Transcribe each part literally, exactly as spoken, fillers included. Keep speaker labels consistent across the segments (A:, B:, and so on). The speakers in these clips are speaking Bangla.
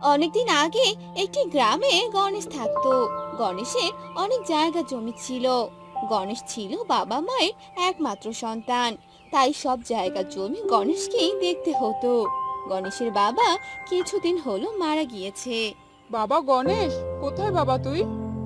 A: অনেকদিন আগে একটি গ্রামে গণেশ থাকতো। গণেশের অনেক জায়গা জমি ছিল। গণেশ ছিল বাবা মায়ের একমাত্র সন্তান, তাই সব জায়গা জমি গণেশকেই দেখতে হতো। গণেশের বাবা কিছুদিন হলো মারা গিয়েছে।
B: বাবা গণেশ, কোথায় বাবা তুই?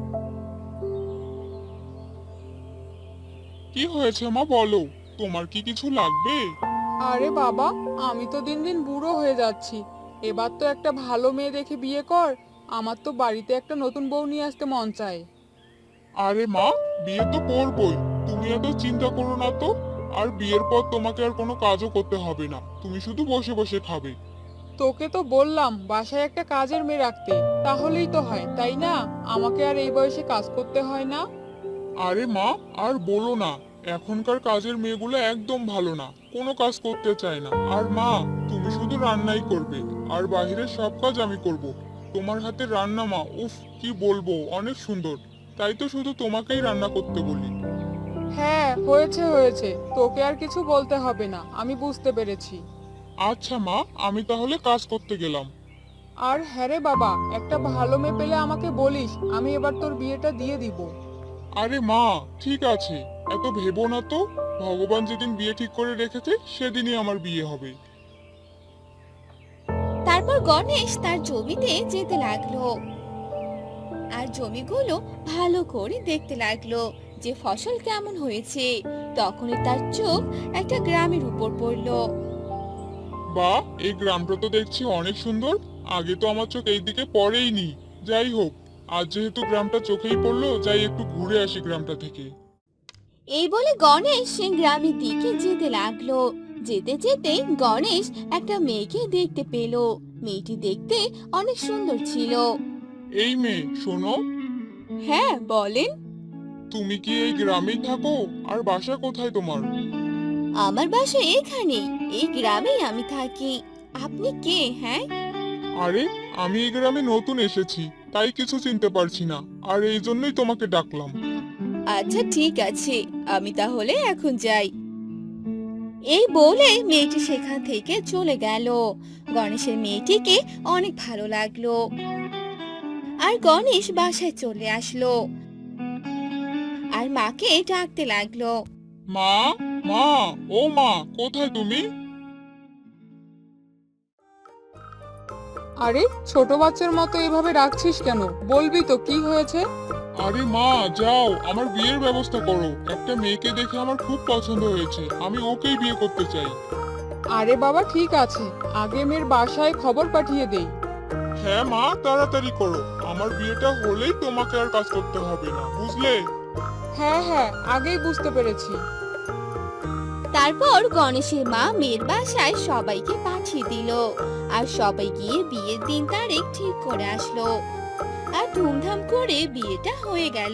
C: কি হয়েছে মা, বলো। তোমার কি কিছু লাগবে?
B: আরে বাবা, আমি তো দিন দিন বুড়ো হয়ে যাচ্ছি। এবার তো একটা ভালো মেয়ে দেখে বিয়ে কর। আমার তো বাড়িতে একটা নতুন বউ নিয়ে আসতে মন চায়।
C: আরে মা, বিয়ে তো করবই। তুমি এত চিন্তা করো না তো। আর বিয়ের পর তোমাকে আর কোনো কাজও করতে হবে না, তুমি শুধু বসে বসে খাবে।
B: তোকে তো বললাম বাসায় একটা কাজের মেয়ে রাখতে, তাহলেই তো হয়, তাই না? আমাকে আর এই বয়সে কাজ করতে হয় না।
C: আরে মা, আর বলো না। এখনকার কাজের মেয়েগুলো একদম ভালো না, কোনো কাজ করতে চায় না। আর মা, তুমি শুধু রান্নাই করবে, আর বাইরের সব কাজ আমি করব। তোমার হাতের রান্না মা, উফ, কি বলবো, অনেক সুন্দর। তাই তো শুধু তোমাকেই রান্না করতে বলি।
B: হ্যাঁ, হয়েছে হয়েছে, তোকে আর কিছু বলতে হবে না, আমি বুঝতে পেরেছি।
C: আচ্ছা মা, আমি তাহলে কাজ করতে গেলাম।
B: আর হ্যাঁ রে বাবা, একটা ভালো মেয়ে পেলে আমাকে বলিস, আমি এবার তোর বিয়েটা দিয়ে দিব।
C: আরে মা, ঠিক আছে, এত ভেবো না তো। ভগবান যেদিন বিয়ে ঠিক করে রেখেছে সেদিনই আমার বিয়ে হবে।
A: তারপর গণেশ তার জমিতে যেতে লাগলো আর জমিগুলো ভালো করে দেখতে লাগলো যে ফসল কেমন হয়েছে। তখনই তার চোখ একটা গ্রামের উপর পড়লো।
C: বা, এই গ্রামটা তো দেখছি অনেক সুন্দর। আগে তো আমার চোখ এই দিকে পড়েইনি। যাই হোক, আজ যেহেতু গ্রামটা চোখেই পড়লো, যাই একটু ঘুরে আসি গ্রামটা থেকে।
A: এই বলে গণেশ সে গ্রামের দিকে যেতে লাগলো। যেতে যেতে গণেশ একটা মেয়েকে দেখতে পেল। মেয়েটি দেখতে অনেক সুন্দর ছিল।
C: এই মেয়ে, শোনো।
A: হ্যাঁ, বলেন।
C: তুমি কি এই গ্রামেই থাকো? আর বাসা কোথায় তোমার?
A: আমার বাসা এখানেই, এই গ্রামেই আমি থাকি। আপনি কে? হ্যাঁ।
C: আরে, আমি এই গ্রামে নতুন এসেছি, তাই কিছু চিনতে পারছি না। আর এই জন্যই তোমাকে ডাকলাম।
A: আচ্ছা, ঠিক আছে, আমি তাহলে এখন যাই। এই বলে মেয়েটি সেখান থেকে চলে গেল। গণেশের মেয়েটিকে অনেক ভালো লাগলো আর গণেশ বাসায় চলে আসলো আর মাকে ডাকতে লাগলো।
C: মা, মা, ও মা, কোথায় তুমি?
B: আরে, ছোট বাচ্চার মতো এভাবে রাখছিস কেন? বলবি তো কি হয়েছে?
C: আরে মা, যাও, আমার বিয়ের ব্যবস্থা করো। একটা মেয়েকে দেখে আমার খুব পছন্দ হয়েছে, আমি ওকেই বিয়ে করতে চাই।
B: আরে বাবা, ঠিক আছে, আগে মেয়ের বাসায় খবর পাঠিয়ে দেই।
C: হ্যাঁ মা, তাড়াতাড়ি করো। আমার বিয়েটা হলেই তোমাকে আর কাজ করতে হবে না, বুঝলে?
B: হ্যাঁ হ্যাঁ, আগেই বুঝতে পেরেছি।
A: তারপর গণেশের মা মেয়ের বাসায় সবাইকে পাঠিয়ে দিল আর সবাই গিয়ে বিয়ের দিন তারিখ ঠিক করে আসলো আর ধুমধাম করে বিয়েটা হয়ে গেল।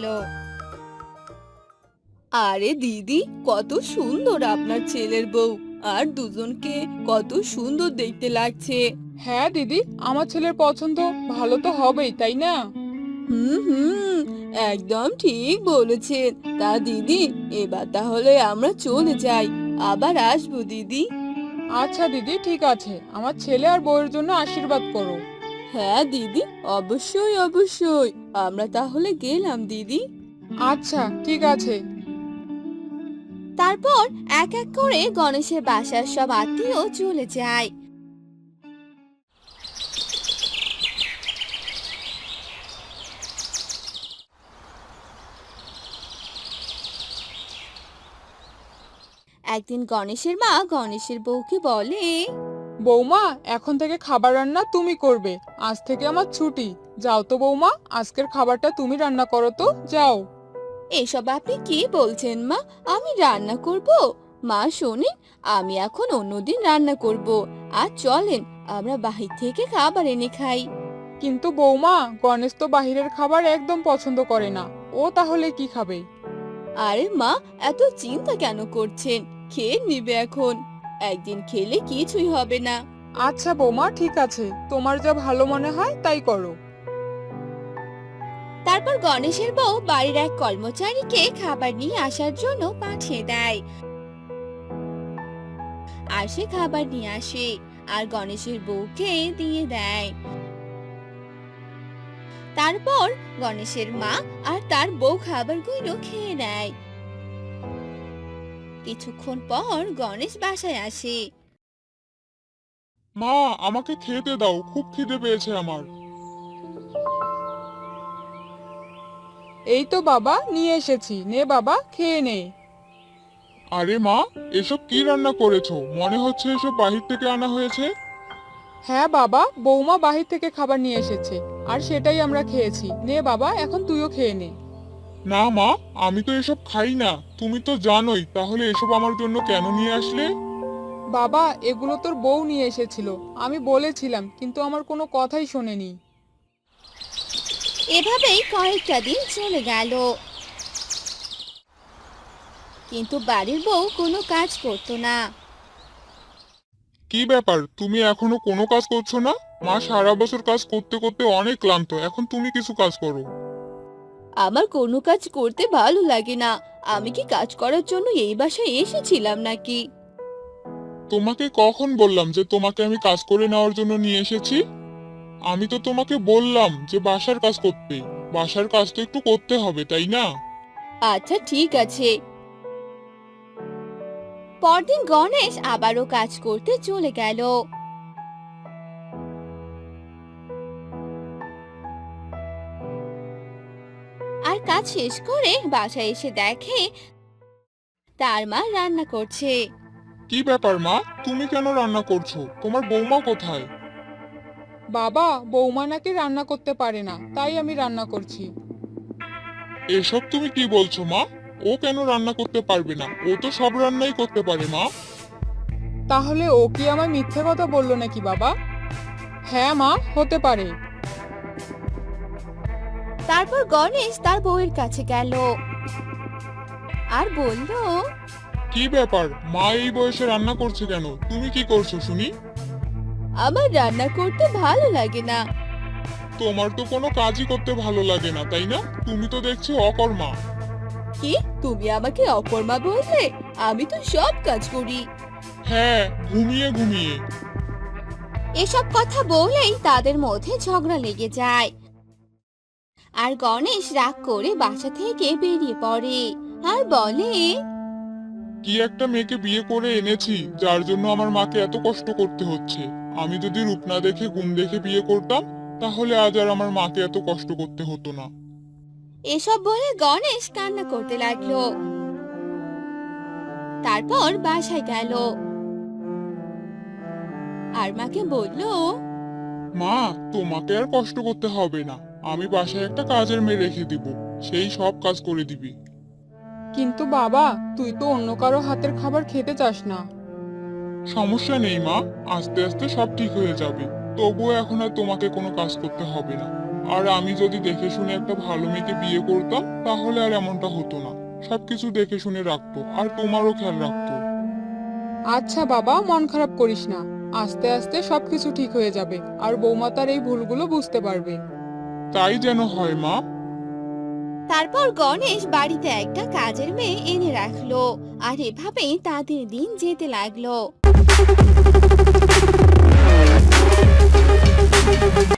A: আরে দিদি, কত সুন্দর আপনার ছেলের বউ, আর দুজনকে কত সুন্দর দেখতে লাগছে।
B: হ্যাঁ দিদি, আমার ছেলের পছন্দ ভালো তো হবেই, তাই না?
A: হুম হুম, একদম ঠিক বলেছেন। তা দিদি, এবার তাহলে আমরা চলে যাই, আবার আসবো দিদি।
B: আচ্ছা দিদি, ঠিক আছে, আমার ছেলে আর বউয়ের জন্য আশীর্বাদ করো।
A: হ্যাঁ দিদি, অবশ্যই অবশ্যই, আমরা তাহলে গেলাম দিদি।
B: আচ্ছা, ঠিক আছে।
A: তারপর এক এক করে গণেশের বাসার সব আত্মীয় চলে যায়। একদিন গণেশের মা গণেশের বউকে বলে,
B: বৌমা, এখন থেকে খাবার রান্না তুমি করবে। আজ থেকে আমার ছুটি। যাও তো বৌমা, আজকের খাবারটা তুমি রান্না করো তো, যাও।
A: এসব আপনি কি বলছেন মা? আমি রান্না করব? মা শোনেন, আমি এখন অন্যদিন রান্না করব। আর চলেন, আমরা বাহির থেকে খাবার এনে খাই।
B: কিন্তু বৌমা, গণেশ তো বাহিরের খাবার একদম পছন্দ করে না। ও তাহলে কি খাবে?
A: আরে মা, এত চিন্তা কেন করছেন? খেয়ে নিবে এখন, একদিন খেলে কিছুই হবে না।
B: আচ্ছা বৌমা, ঠিক আছে, তোমার যা ভালো মনে হয় তাই করো।
A: তারপর গণেশের বউ বাড়ির এক কর্মচারীকে খাবার নিয়ে আসার জন্য পাঠিয়ে দেয় আর সে খাবার নিয়ে আসে আর গণেশের বউকে দিয়ে দেয়। তারপর গণেশের মা আর তার বউ খাবারগুলো খেয়ে নেয়। কিছুক্ষণ পর গণেশ বাসায় আসে।
C: মা, আমাকে খেতে দাও, খুব খিদে পেয়েছে আমার।
B: এই তো বাবা নিয়ে এসেছি, নে বাবা খেয়ে নে।
C: আরে মা, এসব কি রান্না করেছো? মনে হচ্ছে এসব বাহির থেকে আনা হয়েছে।
B: হ্যাঁ বাবা, বৌমা বাহির থেকে খাবার নিয়ে এসেছে আর সেটাই আমরা খেয়েছি। নে বাবা, এখন তুইও খেয়ে নে।
C: না মা, আমি তো এসব খাই না। তুমি তো জানোই, তাহলে এসব আমার জন্য কেন নিয়ে আসলে?
B: বাবা, এগুলো তোর বউ নিয়ে এসেছিল, আমি বলেছিলাম কিন্তু আমার কোনো কথাই শোনেনি।
A: এভাবেই কয়েকটা দিন চলে গেল, কিন্তু বাড়ির বউ কোনো কাজ করতো না।
C: কি ব্যাপার, তুমি এখনো কোনো কাজ করছো না? মা সারা বছর কাজ করতে করতে অনেক ক্লান্ত, এখন তুমি কিছু কাজ করো।
A: আমার কোনো কাজ করতে ভালো লাগে না। আমি কি কাজ করার জন্য এই বাসায় এসেছিলাম নাকি?
C: তোমাকে কখন বললাম যে তোমাকে আমি কাজ করে নেওয়ার জন্য নিয়ে এসেছি? আমি তো তোমাকে বললাম যে বাসার কাজ করতে। বাসার কাজ তো একটু করতে হবে, তাই না?
A: আচ্ছা ঠিক আছে। পরদিন গণেশ আবারও কাজ করতে চলে গেল। আর কাজ শেষ করে বাসায় এসে দেখে তার মা রান্না করছে।
C: কি ব্যাপার মা, তুমি কেন রান্না করছো? তোমার বৌমা কোথায়?
B: বাবা, বৌমা নাকি রান্না করতে পারে না, তাই আমি রান্না করছি।
C: এসব তুমি কি বলছো মা? ও কেন রান্না করতে পারবে না? ও তো সব রান্নাই করতে পারে মা।
B: তাহলে ও কি আমায় মিথ্যে কথা বললো নাকি বাবা? হ্যাঁ মা, হতে পারে।
A: তারপর গণেশ তার বউয়ের কাছে গেল আর বলল,
C: কি ব্যাপার, মা এই বয়সে রান্না করছে কেন? তুমি কি করছো শুনি?
A: আমার রান্না করতে ভালো লাগে না।
C: তোমার তো কোনো কাজই করতে ভালো লাগে না, তাই না? তুমি তো দেখছি অকর্মা।
A: কি, তুমি আমাকে অকর্মা বললে? আমি তো সব কাজ করি।
C: হ্যাঁ, ঘুমিয়ে ঘুমিয়ে।
A: এসব কথা বলেই তাদের মধ্যে ঝগড়া লেগে যায়। আর গণেশ রাগ করে বাসা থেকে বেরিয়ে পড়ে আর বলে,
C: কি একটা মেয়েকে বিয়ে করে এনেছি যার জন্য আমার মাকে এত কষ্ট করতে হচ্ছে। আমি যদি রূপ না দেখে গুণ দেখে বিয়ে করতাম, তাহলে আজ আর আমার মাকে এত কষ্ট করতে হতো না।
A: এসব বলে গণেশ কান্না করতে লাগলো। তারপর বাসায় গেল আর মাকে বলল,
C: মা, তোমাকে আর কষ্ট করতে হবে না। আমি বাসায় একটা কাজের মেয়ে রেখে দিব, সেই সব কাজ করে দিবি।
B: কিন্তু বাবা, তুই তো অন্য কারো হাতের খাবার খেতে চাস না।
C: সমস্যা নেই মা, আস্তে আস্তে সব ঠিক হয়ে যাবে। তবুও এখন আর তোমাকে কোনো কাজ করতে হবে না। আর আমি যদি দেখে শুনে একটা ভালো মেয়েকে বিয়ে করতাম, তাহলে আর এমনটা হতো না। সবকিছু দেখে শুনে রাখতো, আর তোমারও খেয়াল রাখতো।
B: আচ্ছা বাবা, মন খারাপ করিস না, আস্তে আস্তে সবকিছু ঠিক হয়ে যাবে আর বৌমা তার এই ভুলগুলো বুঝতে পারবে।
C: তাই যেন হয় মা।
A: তারপর গণেশ বাড়িতে একটা কাজের মেয়ে এনে রাখলো আর এভাবেই তাদের দিন যেতে লাগলো।